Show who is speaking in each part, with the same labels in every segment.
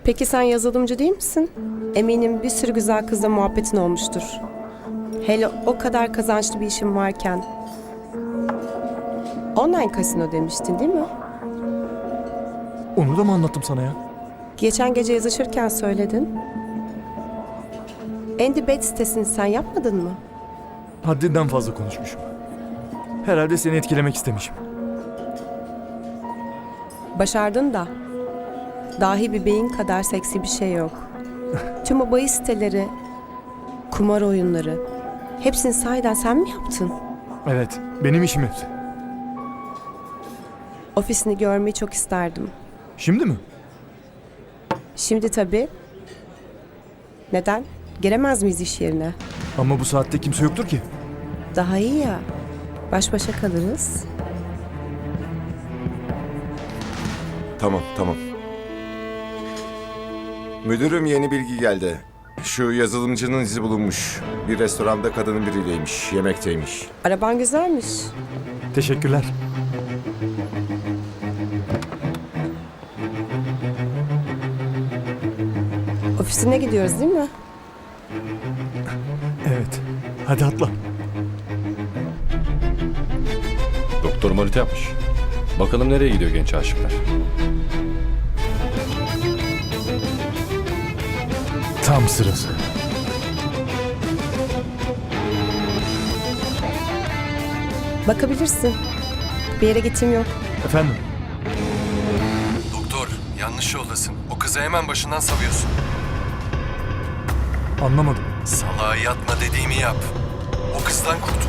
Speaker 1: Peki sen yazılımcı değil misin? Eminim bir sürü güzel kızla muhabbetin olmuştur. Hele o kadar kazançlı bir işin varken. Online kasino demiştin değil mi?
Speaker 2: Onu da mı anlattım sana ya?
Speaker 1: Geçen gece yazışırken söyledin. Andy Bet sitesini sen yapmadın mı?
Speaker 2: Haddinden fazla konuşmuşum. Herhalde seni etkilemek istemişim.
Speaker 1: Başardın da. Dahi bir beyin kadar seksi bir şey yok. Tüm o bahis siteleri, kumar oyunları, hepsini sahiden sen mi yaptın?
Speaker 2: Evet, benim işim hepsi.
Speaker 1: Ofisini görmeyi çok isterdim.
Speaker 2: Şimdi mi?
Speaker 1: Şimdi tabii. Neden? Giremez miyiz iş yerine?
Speaker 2: Ama bu saatte kimse yoktur ki.
Speaker 1: Daha iyi ya. Baş başa kalırız.
Speaker 3: Tamam. Müdürüm, yeni bilgi geldi. Şu yazılımcının izi bulunmuş. Bir restoranda kadının biriyleymiş, yemekteymiş.
Speaker 1: Araban güzelmiş.
Speaker 2: Teşekkürler.
Speaker 1: Ofisine gidiyoruz değil mi?
Speaker 2: Evet. Hadi atla.
Speaker 4: Doktor manita yapmış. Bakalım nereye gidiyor genç aşıklar.
Speaker 2: Tam sırası.
Speaker 1: Bakabilirsin. Bir yere gittiğim yok.
Speaker 2: Efendim?
Speaker 4: Doktor, yanlış yoldasın. O kızı hemen başından savuyorsun.
Speaker 2: Anlamadım.
Speaker 4: Salağa yatma dediğimi yap. O kızdan kurtul.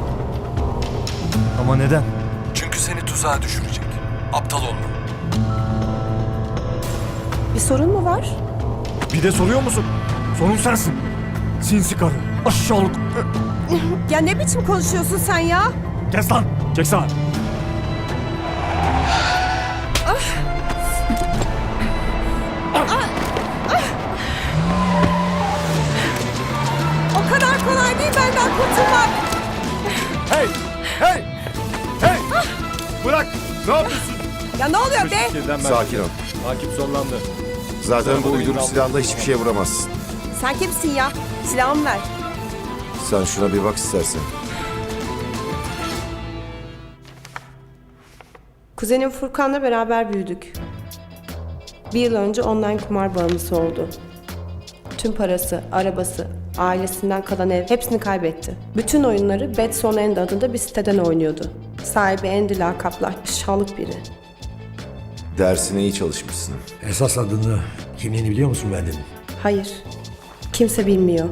Speaker 2: Ama neden?
Speaker 4: Çünkü seni tuzağa düşürecek. Aptal olma.
Speaker 1: Bir sorun mu var?
Speaker 2: Bir de soruyor musun? Sorun sensin. Sinsi karı. Aşağılık.
Speaker 1: Ya ne biçim konuşuyorsun sen ya?
Speaker 2: Kes lan. Çek sağa.
Speaker 1: O kadar kolay değil benden kurtulmak.
Speaker 2: Hey! Hey! Hey! Bırak! Ne yapıyorsun?
Speaker 1: Ya ne oluyor be?
Speaker 3: Sakin ol.
Speaker 4: Hakim sonlandı.
Speaker 3: Zaten bu uyduruk silahla hiçbir şeye vuramazsın.
Speaker 1: Sen kimsin ya? Silahımı ver.
Speaker 3: Sen şuna bir bak istersen.
Speaker 1: Kuzenim Furkan'la beraber büyüdük. Bir yıl önce online kumar bağımlısı oldu. Tüm parası, arabası, ailesinden kalan ev hepsini kaybetti. Bütün oyunları Betson End adında bir siteden oynuyordu. Sahibi Andy lakaplı aşağılık biri.
Speaker 3: Dersine iyi çalışmışsın.
Speaker 5: Esas adını, kimliğini biliyor musun Benden'in?
Speaker 1: Hayır, kimse bilmiyor.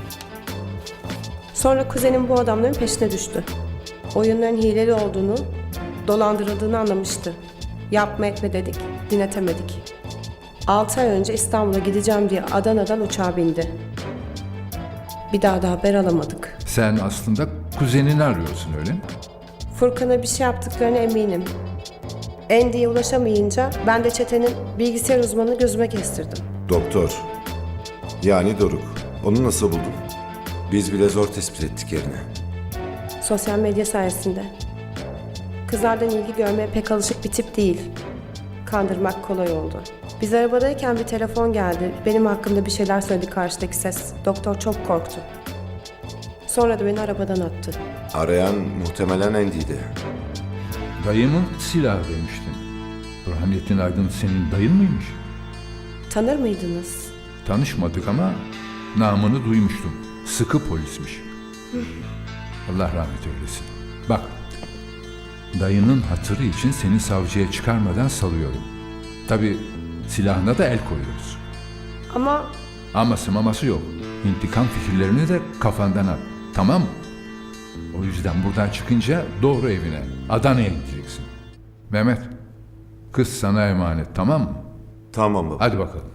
Speaker 1: Sonra kuzenim bu adamların peşine düştü. Oyunların hileli olduğunu, dolandırıldığını anlamıştı. Yapma etme dedik, dinletemedik. 6 ay önce İstanbul'a gideceğim diye Adana'dan uçağa bindi. Bir daha da haber alamadık.
Speaker 6: Sen aslında kuzenini arıyorsun öyle mi?
Speaker 1: Furkan'a bir şey yaptıklarına eminim. Andy'ye ulaşamayınca ben de çetenin bilgisayar uzmanını gözüme kestirdim.
Speaker 3: Doktor. Yani Doruk. Onu nasıl buldun? Biz bile zor tespit ettik yerini.
Speaker 1: Sosyal medya sayesinde. Kızlardan ilgi görmeye pek alışık bir tip değil. Kandırmak kolay oldu. Biz arabadayken bir telefon geldi. Benim hakkımda bir şeyler söyledi karşıdaki ses. Doktor çok korktu. Sonra da beni arabadan attı.
Speaker 3: Arayan muhtemelen Andy'ydi.
Speaker 6: Dayımın silahı demiştin. Burhanettin Aydın senin dayın mıymış?
Speaker 1: Tanır mıydınız?
Speaker 6: Tanışmadık ama namını duymuştum. Sıkı polismiş. Allah rahmet eylesin. Bak, dayının hatırı için seni savcıya çıkarmadan salıyorum. Tabii silahına da el koyuyoruz.
Speaker 1: Ama
Speaker 6: Aması maması yok. İntikam fikirlerini de kafandan at. Tamam mı? O yüzden buradan çıkınca doğru evine, Adana'ya gideceksin. Mehmet, kız sana emanet, tamam mı?
Speaker 3: Tamam baba.
Speaker 6: Hadi bakalım.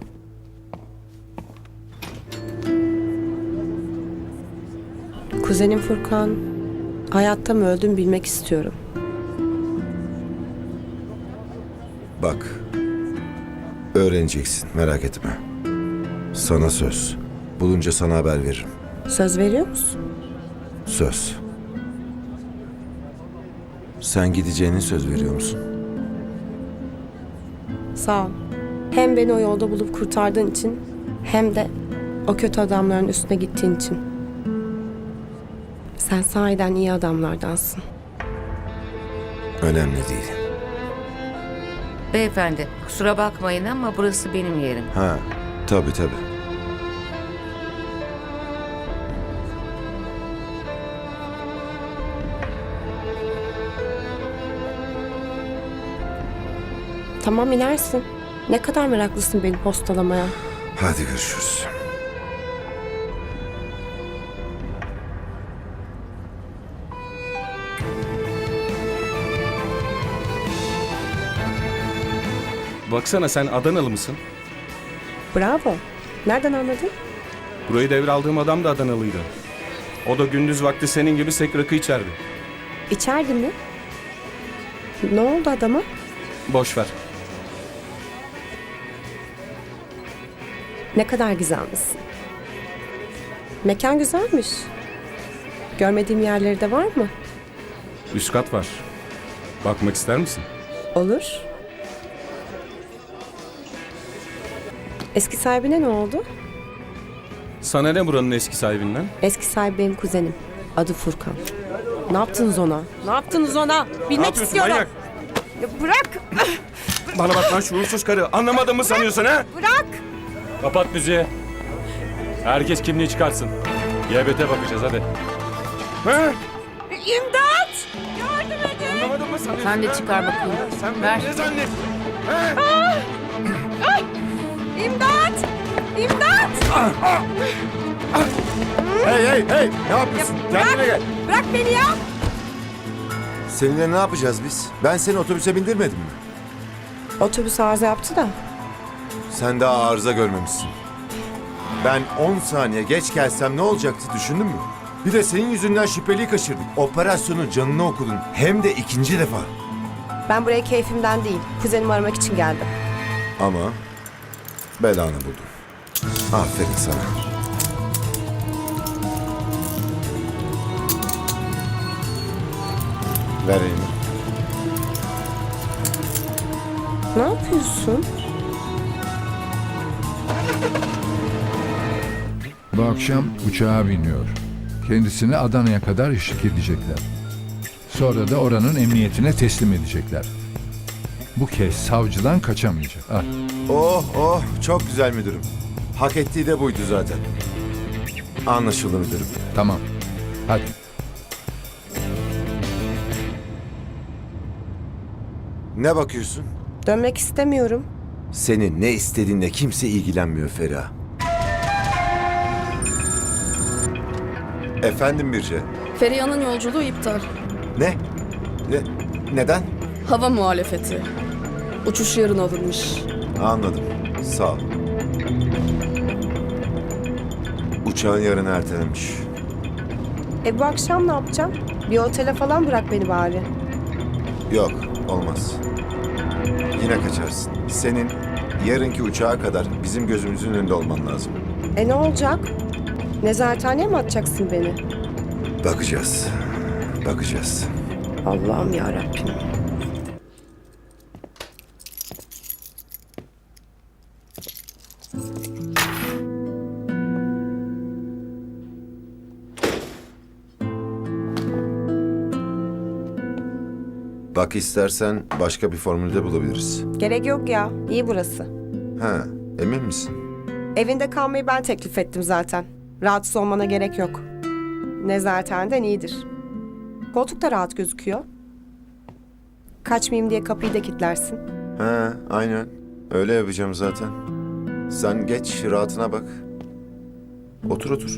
Speaker 1: kuzenim Furkan hayatta mı öldüm bilmek istiyorum.
Speaker 3: Bak. Öğreneceksin, merak etme. Sana söz. Bulunca sana haber veririm.
Speaker 1: Söz veriyor musun?
Speaker 3: Söz. Sen gideceğine söz veriyor musun?
Speaker 1: Sağ ol. Hem beni o yolda bulup kurtardığın için hem de o kötü adamların üstüne gittiğin için. Sen sahiden iyi adamlardansın.
Speaker 3: Önemli değil.
Speaker 7: Beyefendi, kusura bakmayın ama burası benim yerim.
Speaker 3: Ha, tabii.
Speaker 1: Tamam, inersin. Ne kadar meraklısın beni postalamaya.
Speaker 3: Hadi görüşürüz.
Speaker 8: Baksana, sen Adanalı mısın?
Speaker 1: Bravo. Nereden anladın?
Speaker 8: Burayı devraldığım adam da Adanalıydı. O da gündüz vakti senin gibi sek rakı içerdi.
Speaker 1: İçerdi mi? Ne oldu adama?
Speaker 8: Boş ver.
Speaker 1: Ne kadar güzelmişsin. Mekan güzelmiş. Görmediğim yerleri de var mı?
Speaker 8: Üst kat var. Bakmak ister misin?
Speaker 1: Olur. Eski sahibine ne oldu?
Speaker 8: Sana ne buranın eski sahibinden?
Speaker 1: Eski sahibi benim kuzenim. Adı Furkan. Ne yaptınız ona? Ne yaptınız ona? Bilmek
Speaker 8: yapıyorsun
Speaker 1: istiyorum.
Speaker 8: manyak?
Speaker 1: Ya bırak!
Speaker 8: Bana bak lan şuursuz karı. Anlamadın mı sanıyorsun ha?
Speaker 1: Bırak!
Speaker 4: Kapat müziği. Herkes kimliği çıkartsın. GBT bakacağız hadi.
Speaker 8: Ha?
Speaker 1: İmdat! Yardım edin!
Speaker 8: Anlamadın mı sanıyorsun?
Speaker 7: Sen de
Speaker 8: ha?
Speaker 7: çıkar bakayım.
Speaker 8: Ha? Sen
Speaker 7: Ver.
Speaker 8: beni ne zannettin? Ha?
Speaker 1: İmdat! İmdat!
Speaker 3: Hey! Ne yapıyorsun? Kendine gel.
Speaker 1: Bırak beni ya!
Speaker 3: Seninle ne yapacağız biz? Ben seni otobüse bindirmedim mi?
Speaker 1: Otobüs arıza yaptı da.
Speaker 3: Sen daha arıza görmemişsin. Ben 10 saniye geç gelsem ne olacaktı düşündün mü? Bir de senin yüzünden şüpheliyi kaçırdık. Operasyonun canını okudun. Hem de ikinci defa.
Speaker 1: Ben buraya keyfimden değil, kuzenimi aramak için geldim.
Speaker 3: Ama belanı buldun. Aferin sana. Ver elini.
Speaker 1: Ne yapıyorsun?
Speaker 6: Bu akşam uçağa biniyor. Kendisini Adana'ya kadar eşlik edecekler. Sonra da oranın emniyetine teslim edecekler. Bu kez savcıdan kaçamayacak. Al.
Speaker 3: Oh çok güzel müdürüm. Hak ettiği de buydu zaten. Anlaşıldı müdürüm.
Speaker 6: Tamam. Hadi.
Speaker 3: Ne bakıyorsun?
Speaker 1: Dönmek istemiyorum.
Speaker 3: Senin ne istediğinle kimse ilgilenmiyor Feriha. Efendim Birce.
Speaker 9: Feriha'nın yolculuğu iptal.
Speaker 3: Ne? Neden?
Speaker 9: Hava muhalefeti. Uçuş yarın alınmış.
Speaker 3: Anladım. Sağ ol. Uçağın yarın ertelenmiş.
Speaker 1: Bu akşam ne yapacağım? Bir otele falan bırak beni bari.
Speaker 3: Yok, olmaz. Yine kaçarsın. Senin yarınki uçağa kadar bizim gözümüzün önünde olman lazım.
Speaker 1: Ne olacak? Nezarethaneye mi atacaksın beni?
Speaker 3: Bakacağız.
Speaker 1: Allah'ım yarabbim.
Speaker 3: Bak istersen başka bir formülde bulabiliriz.
Speaker 1: Gerek yok ya. İyi burası.
Speaker 3: Ha, emin misin?
Speaker 1: Evinde kalmayı ben teklif ettim zaten. Rahatsız olmana gerek yok. Nezarethaneden iyidir. Koltuk da rahat gözüküyor. Kaçmayayım diye kapıyı da kilitlersin.
Speaker 3: Ha, aynen. Öyle yapacağım zaten. Sen geç, rahatına bak. Otur.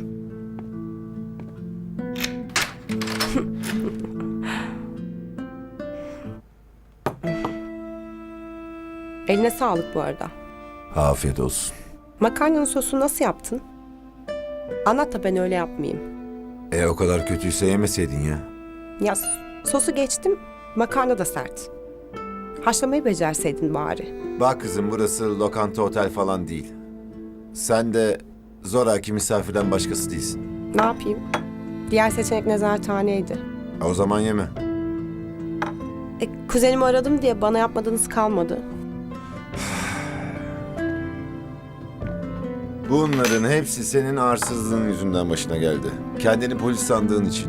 Speaker 1: Eline sağlık bu arada.
Speaker 3: Afiyet olsun.
Speaker 1: Makarnanın sosunu nasıl yaptın? Anlat da ben öyle yapmayayım.
Speaker 3: O kadar kötüyse yemeseydin ya.
Speaker 1: Ya sosu geçtim, makarna da sert. Haşlamayı becerseydin bari.
Speaker 3: Bak kızım burası lokanta otel falan değil. Sen de zoraki misafirden başkası değilsin.
Speaker 1: Ne yapayım? Diğer seçenek nezarethaneydi.
Speaker 3: O zaman yeme.
Speaker 1: Kuzenimi aradım diye bana yapmadığınız kalmadı.
Speaker 3: Bunların hepsi senin arsızlığın yüzünden başına geldi. Kendini polis sandığın için.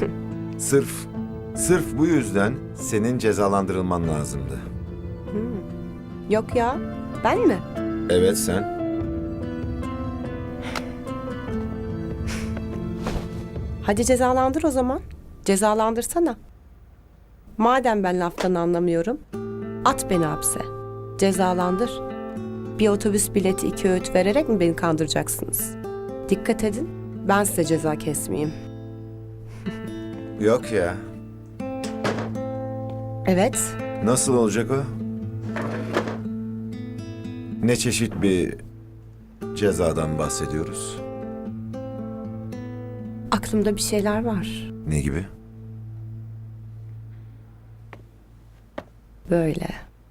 Speaker 3: Sırf bu yüzden senin cezalandırılman lazımdı.
Speaker 1: Yok ya, ben mi?
Speaker 3: Evet sen.
Speaker 1: Hadi cezalandır o zaman. Cezalandırsana. Madem ben laftan anlamıyorum, at beni hapse. Cezalandır. Bir otobüs bileti 2 öğüt vererek mi beni kandıracaksınız? Dikkat edin, ben size ceza kesmeyeyim.
Speaker 3: Yok ya.
Speaker 1: Evet,
Speaker 3: Nasıl olacak o? Ne çeşit bir cezadan bahsediyoruz?
Speaker 1: aklımda bir şeyler var.
Speaker 3: Ne gibi?
Speaker 1: Böyle.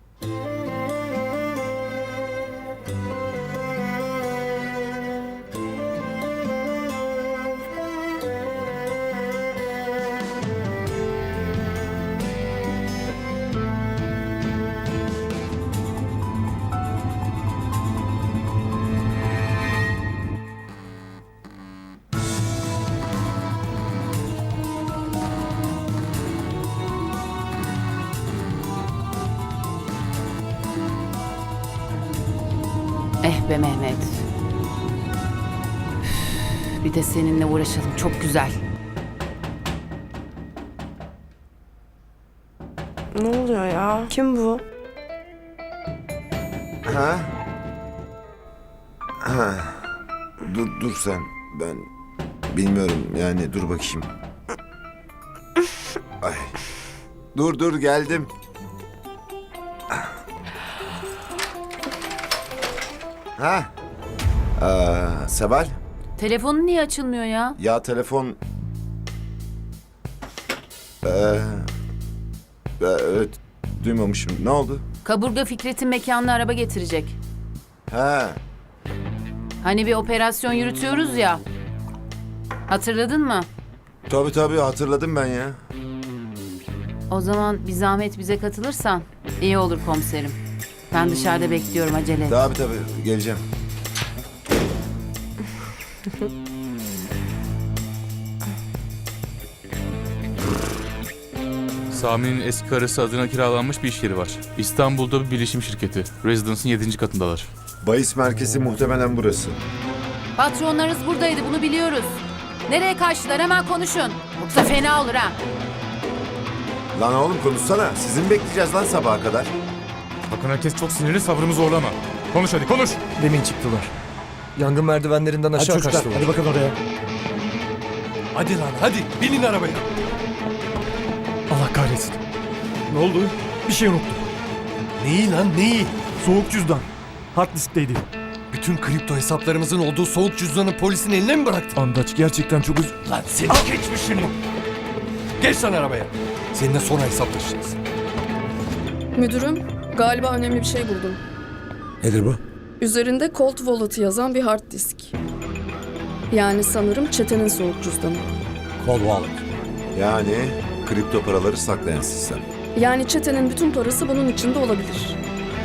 Speaker 10: Eh be Mehmet. Üf, bir de seninle uğraşalım. Çok güzel.
Speaker 1: Ne oluyor ya? Kim bu?
Speaker 3: Ha? Ha. Dur sen. Ben bilmiyorum yani dur bakayım. Ay. Dur geldim. Ha? Seval?
Speaker 10: Telefonun niye açılmıyor ya?
Speaker 3: Ya telefon... evet duymamışım. Ne oldu?
Speaker 10: Kaburga Fikret'in mekanına araba getirecek.
Speaker 3: Ha.
Speaker 10: Hani bir operasyon yürütüyoruz ya. Hatırladın mı?
Speaker 3: Tabii hatırladım ben ya.
Speaker 10: O zaman bir zahmet bize katılırsan iyi olur komiserim. Ben dışarıda bekliyorum, acele et.
Speaker 3: Tabii geleceğim.
Speaker 11: Sami'nin eski karısı adına kiralanmış bir iş yeri var. İstanbul'da bir bilişim şirketi. Residence'ın 7. katındalar.
Speaker 3: Bahis merkezi muhtemelen burası.
Speaker 10: Patronlarınız buradaydı, bunu biliyoruz. Nereye kaçtılar, hemen konuşun. Yoksa fena olur ha.
Speaker 3: Lan oğlum konuşsana. Sizi mi bekleyeceğiz lan sabaha kadar?
Speaker 2: Bakın herkes çok sinirli, sabrımı zorlama. Konuş hadi konuş.
Speaker 5: Demin çıktılar. Yangın merdivenlerinden aşağı kaçtılar. Hadi bakın oraya. Hadi lan hadi binin arabaya.
Speaker 2: Allah kahretsin. Ne oldu? Bir şey unuttum.
Speaker 5: Neyi lan neyi?
Speaker 2: Soğuk cüzdan. Hard diskteydi.
Speaker 5: Bütün kripto hesaplarımızın olduğu soğuk cüzdanı polisin eline mi bıraktın?
Speaker 2: Andaç gerçekten çok
Speaker 5: Lan seni geçmişini. Geç lan arabaya. Seninle sonra hesaplaşacağız.
Speaker 9: Müdürüm, galiba önemli bir şey buldum.
Speaker 5: Nedir bu?
Speaker 9: Üzerinde Cold Wallet'ı yazan bir hard disk. Yani sanırım çetenin soğuk cüzdanı.
Speaker 5: Cold Wallet.
Speaker 3: Yani kripto paraları saklayan sistem.
Speaker 9: Yani çetenin bütün parası bunun içinde olabilir.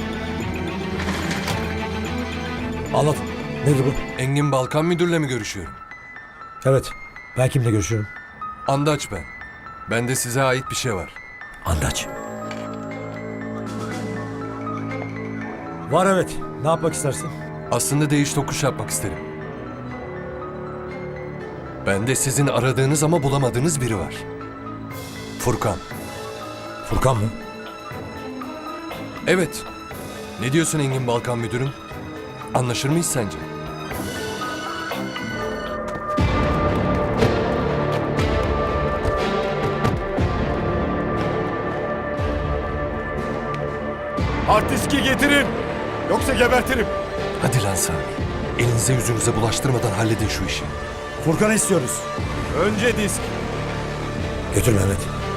Speaker 5: Anlat. Nedir bu?
Speaker 12: Engin Balkan Müdür'le mi görüşüyorum?
Speaker 5: Evet. Ben kimle görüşüyorum?
Speaker 12: Andaç ben. Bende size ait bir şey var.
Speaker 5: Andaç. Var evet. Ne yapmak istersin?
Speaker 12: Aslında değiş tokuş yapmak isterim. Bende sizin aradığınız ama bulamadığınız biri var. Furkan.
Speaker 5: Furkan mı?
Speaker 12: Evet. Ne diyorsun Engin Balkan Müdürüm? Anlaşır mıyız sence?
Speaker 2: Hard diski getirin. Yoksa gebertirim.
Speaker 12: Hadi lan Sami. Elinize yüzünüze bulaştırmadan halledin şu işi.
Speaker 5: Furkan'ı istiyoruz.
Speaker 2: Önce disk.
Speaker 5: Götür Mehmet.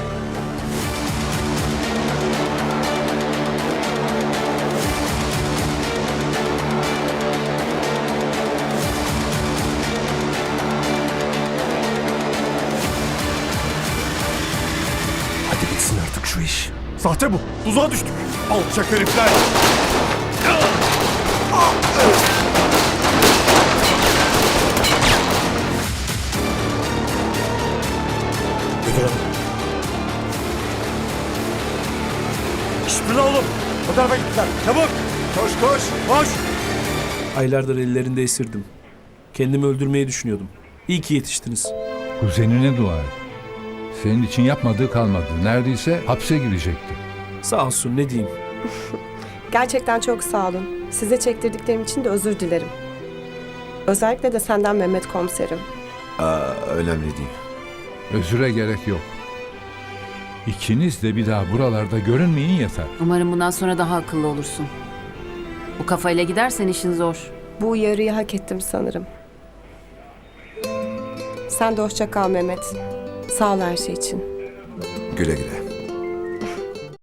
Speaker 12: Hadi bitsin artık şu iş.
Speaker 2: Sahte bu. Tuzağa düştük. Alçak herifler. tarafa gittiler. Çabuk.
Speaker 3: Koş koş.
Speaker 2: Koş.
Speaker 5: Aylardır ellerinde esirdim. Kendimi öldürmeyi düşünüyordum. İyi ki yetiştiniz.
Speaker 6: Kuzenine dua et. Senin için yapmadığı kalmadı. Neredeyse hapse girecekti.
Speaker 5: Sağ olsun ne diyeyim.
Speaker 1: Gerçekten çok sağ olun. Size çektirdiklerim için de özür dilerim. Özellikle de senden Mehmet komiserim.
Speaker 3: Önemli değil.
Speaker 6: Özüre gerek yok. İkiniz de bir daha buralarda görünmeyin yeter.
Speaker 10: Umarım bundan sonra daha akıllı olursun. Bu kafayla gidersen işin zor.
Speaker 1: Bu uyarıyı hak ettim sanırım. Sen de hoşça kal Mehmet. Sağ ol her şey için.
Speaker 3: Güle güle.